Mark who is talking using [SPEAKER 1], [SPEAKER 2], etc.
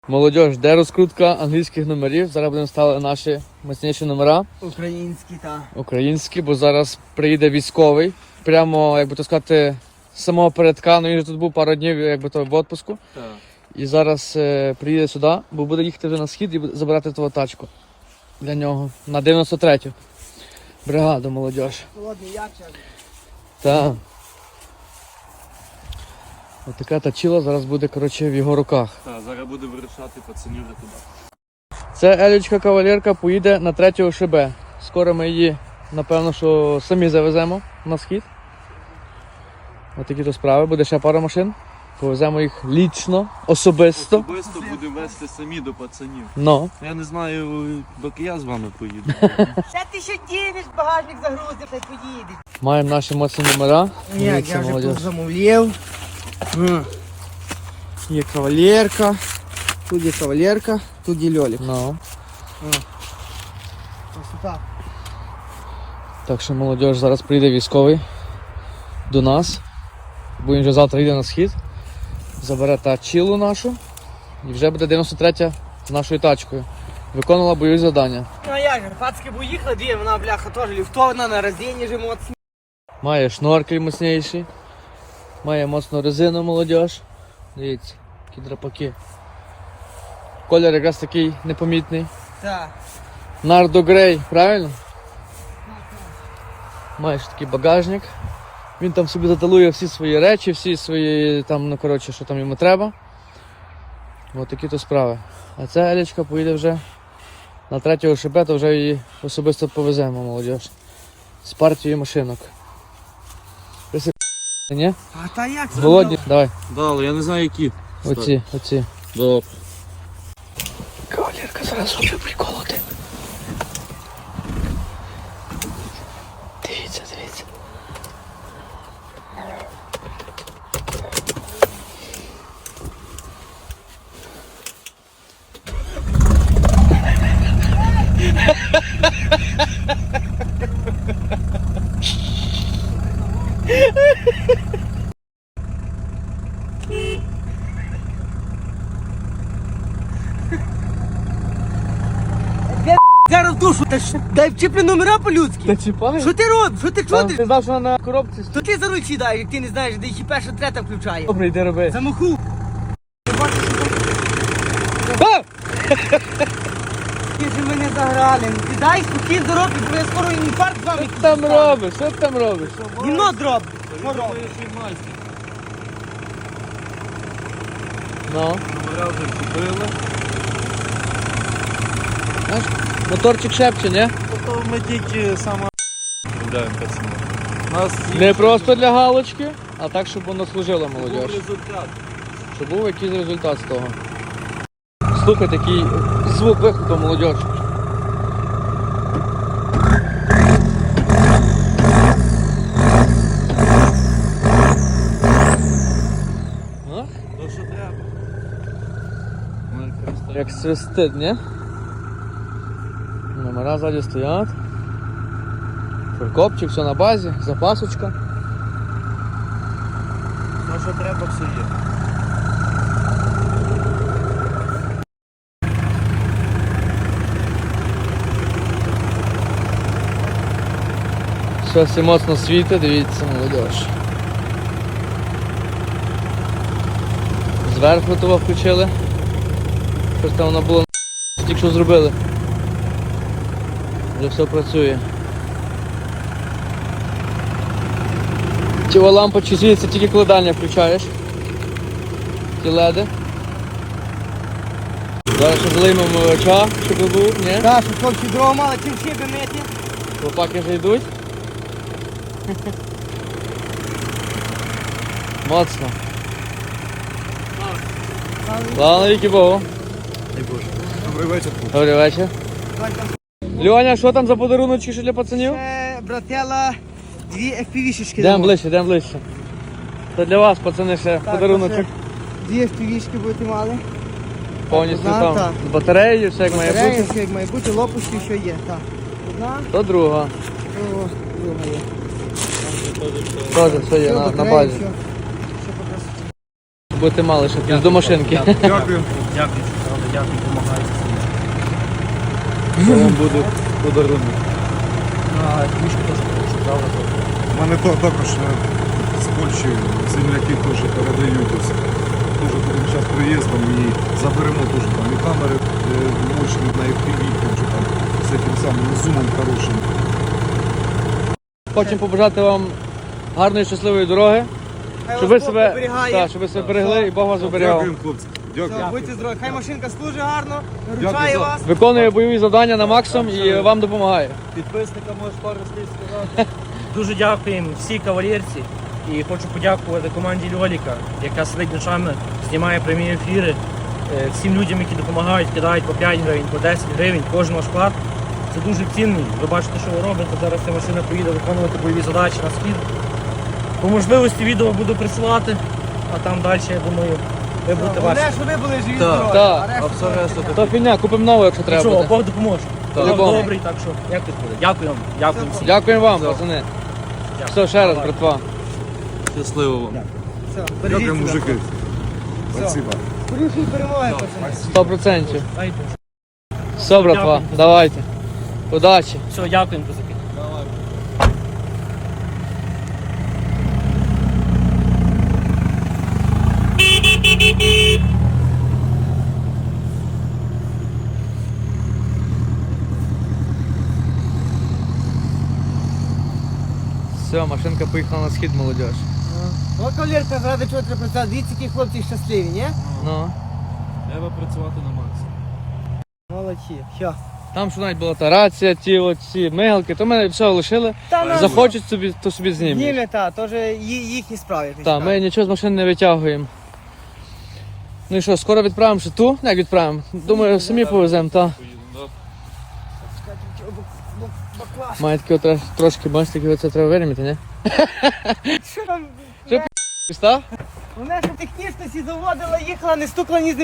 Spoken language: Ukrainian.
[SPEAKER 1] Молодіж, де розкрутка англійських номерів? Зараз будемо ставити наші міцніші номера.
[SPEAKER 2] Українські, так.
[SPEAKER 1] Українські, бо зараз приїде військовий. Прямо, як би то сказати, з самого передка. Ну, він же тут був пару днів, як би то, в відпуску.
[SPEAKER 2] Так.
[SPEAKER 1] І зараз приїде сюди, бо буде їхати вже на схід і буде забирати твою тачку для нього на 93-ю бригаду, молодіж.
[SPEAKER 2] Холодний ячер.
[SPEAKER 1] Так. Ось така тачила зараз буде, коротше, в його руках.
[SPEAKER 3] Так, зараз буде вирішати пацанів вже туди.
[SPEAKER 1] Це Елічка кавалерка поїде на 3 ШБ. Скоро ми її, напевно, що самі завеземо на схід. Ось такі то справи. Буде ще пара машин. Повеземо їх лічно, особисто.
[SPEAKER 3] Особисто будемо вести самі до пацанів.
[SPEAKER 1] Ну.
[SPEAKER 3] Я не знаю, доки я з вами поїду.
[SPEAKER 2] Ще ти що дінеш, багажник загрузив, та й поїдеш.
[SPEAKER 1] Маємо наші моцні номера.
[SPEAKER 2] Як,
[SPEAKER 1] Дивіться,
[SPEAKER 2] я вже
[SPEAKER 1] молодіж.
[SPEAKER 2] тут замовляв. Є кавалерка, тут є кавалерка, тут є льолік.
[SPEAKER 1] Ну.
[SPEAKER 2] Красота.
[SPEAKER 1] Так що, молодіж, зараз прийде військовий до нас. Бо він вже завтра йде на схід. Забере тачилу нашу. І вже буде 93-я з нашою тачкою. Виконувала бойові завдання.
[SPEAKER 2] Ну а як же, пацки поїхали, дві, вона, бляха, теж ліфтована, на резині же моцні.
[SPEAKER 1] Має шноркель міцніший. Має моцну резину, молодіж. Дивіться, які драпаки. Колір якраз такий непомітний.
[SPEAKER 2] Так.
[SPEAKER 1] Нардо Грей, правильно? Маєш такий багажник. Він там собі заталує всі свої речі, всі свої, там, ну коротше, що там йому треба. Ось такі то справи. А ця Елічка поїде вже на 3 ШБ, то вже її особисто повеземо, молодіж. З партією машинок. Ні?
[SPEAKER 2] А та як?
[SPEAKER 1] Голодні? Давай.
[SPEAKER 3] Да, але я не знаю які.
[SPEAKER 1] Оці.
[SPEAKER 3] Добре.
[SPEAKER 1] Кавалерка зараз робить приколоти. Дивіться.
[SPEAKER 2] Зараз в душу, та ж дай вчіпли номера по-людськи.
[SPEAKER 1] Та чіпай.
[SPEAKER 2] Що ти робиш? Що ти чудиш?
[SPEAKER 1] Ти знав, що вона на коробці.
[SPEAKER 2] То ти за руль сідаєш, як ти не знаєш, де їх перша трета включає.
[SPEAKER 1] Добре, йди роби.
[SPEAKER 2] Замаху. Ти бачиш,
[SPEAKER 1] А!
[SPEAKER 2] ти ж мене заграли. Ти дай спокій заробити, бо я скоро інфаркт з вами.
[SPEAKER 1] Що ти там робиш? Що ти там робиш?
[SPEAKER 2] Гімно дроб.
[SPEAKER 1] Ну,
[SPEAKER 3] Номера вже купили.
[SPEAKER 1] знаєш, моторчик шепче, ні?
[SPEAKER 3] Тобто ми тільки саме гуляємо пацанів. Нас
[SPEAKER 1] Не просто для галочки, а так, щоб воно служило,
[SPEAKER 3] був
[SPEAKER 1] молодіж.
[SPEAKER 3] результат.
[SPEAKER 1] Щоб був якийсь результат з того. Слухайте, який звук виходу, молодіж. А?
[SPEAKER 3] То що треба. Ну, якраз так.
[SPEAKER 1] Як свистить, ні? Номера ззаді стоять. Фуркопчик, все на базі, запасочка.
[SPEAKER 3] Ну, що треба, все є.
[SPEAKER 1] Все всі моцно світить, дивіться, молодіж. Зверху того включили. Щось там воно було тільки що зробили. Вже все працює. Ті лампочки світяться тільки коли дальня включаєш. Ті леди. Зараз ще залиймо оча, щоб був, ні?
[SPEAKER 2] Так, що хлопці дрова мали, чим шиби мити.
[SPEAKER 1] Хлопаки вже йдуть. Моцно. Слава навіки Богу.
[SPEAKER 3] Добрий вечір.
[SPEAKER 1] Добрий вечір. Льоня, що там за подаруночки ще для пацанів?
[SPEAKER 2] Братела, дві FPV-шечки.
[SPEAKER 1] Йдемо ближче. Це для вас, пацани, ще подаруночок.
[SPEAKER 2] Дві FPV-шки будете мали.
[SPEAKER 1] Повністю
[SPEAKER 2] одна,
[SPEAKER 1] там
[SPEAKER 2] так.
[SPEAKER 1] з батареєю, все як має
[SPEAKER 2] Батарея,
[SPEAKER 1] бути.
[SPEAKER 2] все як має бути, лопушки, що є. Так. Одна,
[SPEAKER 1] То друга.
[SPEAKER 2] то друга є.
[SPEAKER 1] Теж все є
[SPEAKER 2] Все,
[SPEAKER 1] на
[SPEAKER 2] батарея,
[SPEAKER 1] базі.
[SPEAKER 2] все. Все по красоті.
[SPEAKER 1] Будете мали ще плюс до машинки.
[SPEAKER 3] Дякую. Дякую.
[SPEAKER 4] дякую, допомагаєте.
[SPEAKER 3] Це вам буде подарунок.
[SPEAKER 4] А книжку теж хочу, правда?
[SPEAKER 5] У мене також з Польщі земляки теж передають ось. Теж будемо зараз приїздом і заберемо теж там і камери мощні на FPV, там з цим самим зумом хорошим.
[SPEAKER 1] Хочемо побажати вам гарної, щасливої дороги,
[SPEAKER 2] Хай
[SPEAKER 1] щоб
[SPEAKER 2] вас
[SPEAKER 1] ви
[SPEAKER 2] Бог
[SPEAKER 1] себе,
[SPEAKER 2] оберігає.
[SPEAKER 1] так, щоб ви себе берегли і Бог вас оберігав.
[SPEAKER 5] Дякуємо, хлопці. Дякую.
[SPEAKER 2] Все, будьте здорові. Хай машинка служить гарно,
[SPEAKER 5] Дякую
[SPEAKER 2] вручає
[SPEAKER 5] за-
[SPEAKER 2] вас.
[SPEAKER 1] Виконує бойові завдання на максимум і вам допомагає.
[SPEAKER 3] Підписникам можеш пару слів сказати.
[SPEAKER 4] Дуже дякуємо всій кавалерці і хочу подякувати команді Льоліка, яка сидить ночами, знімає прямі ефіри. Всім людям, які допомагають, кидають по 5 гривень, по 10 гривень, кожен ваш вклад. Це дуже цінний. Ви бачите, що ви робите. Зараз ця машина поїде виконувати бойові задачі на схід. По можливості відео буду присилати, а там далі, я думаю, ви будете
[SPEAKER 2] Головне,
[SPEAKER 4] ваші.
[SPEAKER 2] щоб ви були живі
[SPEAKER 3] Так,
[SPEAKER 2] здорові.
[SPEAKER 1] так.
[SPEAKER 2] А решту
[SPEAKER 3] А все решта
[SPEAKER 2] таке.
[SPEAKER 1] То фігня, купимо нову, якщо треба
[SPEAKER 4] Нічого,
[SPEAKER 1] буде.
[SPEAKER 4] Бог допоможе.
[SPEAKER 1] Так.
[SPEAKER 4] Бог
[SPEAKER 1] Любому.
[SPEAKER 4] добрий, так що як тут буде. Дякую вам, дякую всім.
[SPEAKER 1] Дякуємо вам, пацани. Все, ще раз,
[SPEAKER 4] Давай.
[SPEAKER 1] братва.
[SPEAKER 3] Щасливо вам.
[SPEAKER 2] Все, бережіть
[SPEAKER 5] Дякую,
[SPEAKER 2] себе.
[SPEAKER 5] мужики. Спасибо.
[SPEAKER 2] Скорішої перемоги, пацани.
[SPEAKER 1] 100%.
[SPEAKER 4] Дайте.
[SPEAKER 1] Все, братва,
[SPEAKER 4] Дякую.
[SPEAKER 1] давайте. Удачі.
[SPEAKER 4] Все, дякуємо, козаки.
[SPEAKER 1] Все, машинка поїхала на схід, молодіж.
[SPEAKER 2] О, кавалерка, заради чого треба працювати. Дивіться, які хлопці щасливі, ні?
[SPEAKER 1] Ну.
[SPEAKER 3] Треба працювати на максимум.
[SPEAKER 2] Молодці. Що?
[SPEAKER 1] Там що навіть була та рація, ті оці мигалки, то ми все лишили.
[SPEAKER 2] Та нас
[SPEAKER 1] Захочуть собі, то собі знімуть.
[SPEAKER 2] зніме, та, то вже їхні справи. як
[SPEAKER 1] Так, ми нічого з машини не витягуємо. Ну і що, скоро відправимо ще ту? Як відправимо? Думаю, самі повеземо, так.
[SPEAKER 3] Поїдемо, да?
[SPEAKER 1] Має таке трошки, бачите, таке оце треба вирімити, ні?
[SPEAKER 2] Що там?
[SPEAKER 1] Що, Піста?
[SPEAKER 2] Вона ж технічності заводила, їхала, не стукла ні з